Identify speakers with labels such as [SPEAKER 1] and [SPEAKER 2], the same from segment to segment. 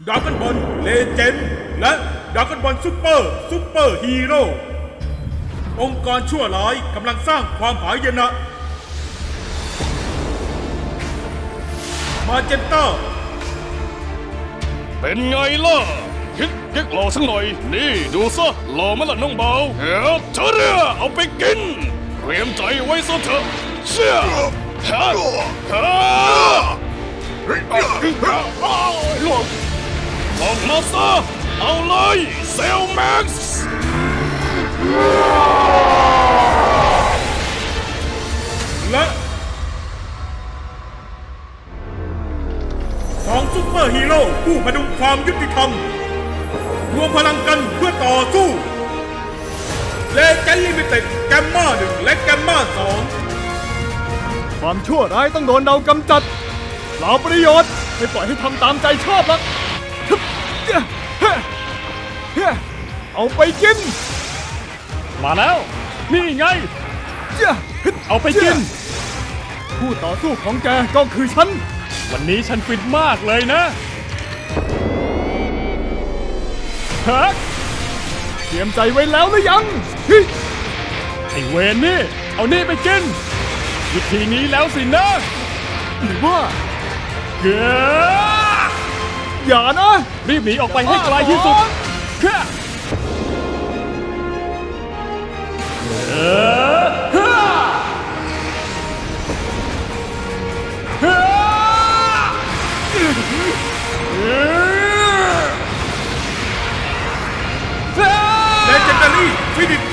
[SPEAKER 1] ดราก้อนบอลเลเจนด์และดราก้อนบอลซูเปอร์ฮีโร่องค์กรชั่วร้ายกำลังสร้างความหายนะมาเจนต้า
[SPEAKER 2] เป็นไงล่ะคิดเก๊กหล่อสักหน่อยนี่ดูซะหล่อมั้ยล่ะน้องเบาเฮ้ยเธอเนี่ยเอาไปกินเตรียมใจไว้ซะเถอะเชี่ยฮะฮะออกมาซะเอาเลยเซลแม็กซ์
[SPEAKER 1] และสองซุปเปอร์ฮีโร่ผู้พดุงความยุติธรรมรวมพลังกันเพื่อต่อสู้เลเจนด์ลิมิเต็ดแกมมา1และแกมมา2
[SPEAKER 3] ความชั่วร้ายต้องโดนเรากำจัดเปล่าประโยชน์ไม่ปล่อยให้ทำตามใจชอบหรอกเอาไปกิน
[SPEAKER 2] มาแล้วนี่ไงเอาไปกิน
[SPEAKER 3] ผู้ต่อสู้ของแกก็คือฉัน
[SPEAKER 2] วันนี้ฉันฟินมากเลยนะฮะ
[SPEAKER 3] เตรียมใจไว้แล้วหรือยัง
[SPEAKER 2] ไอเวนนี่เอานี่ไปกินวิธีนี้แล้วสินะ
[SPEAKER 3] หรือว่า
[SPEAKER 2] เกือ
[SPEAKER 3] อย่านะ
[SPEAKER 2] รีบหนีออกไปให้ไกลที่สุดเฮ้
[SPEAKER 1] เลเจนดารี่ฟินิช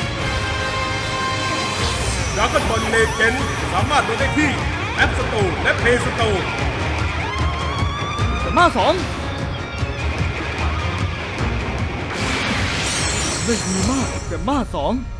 [SPEAKER 1] ดราก้อนบอลเลเจนด์สามารถโหลดได้ที่แอปสโตร์และเพย์สโตร์
[SPEAKER 3] แต่มา2ได้ดีมากแต่มา2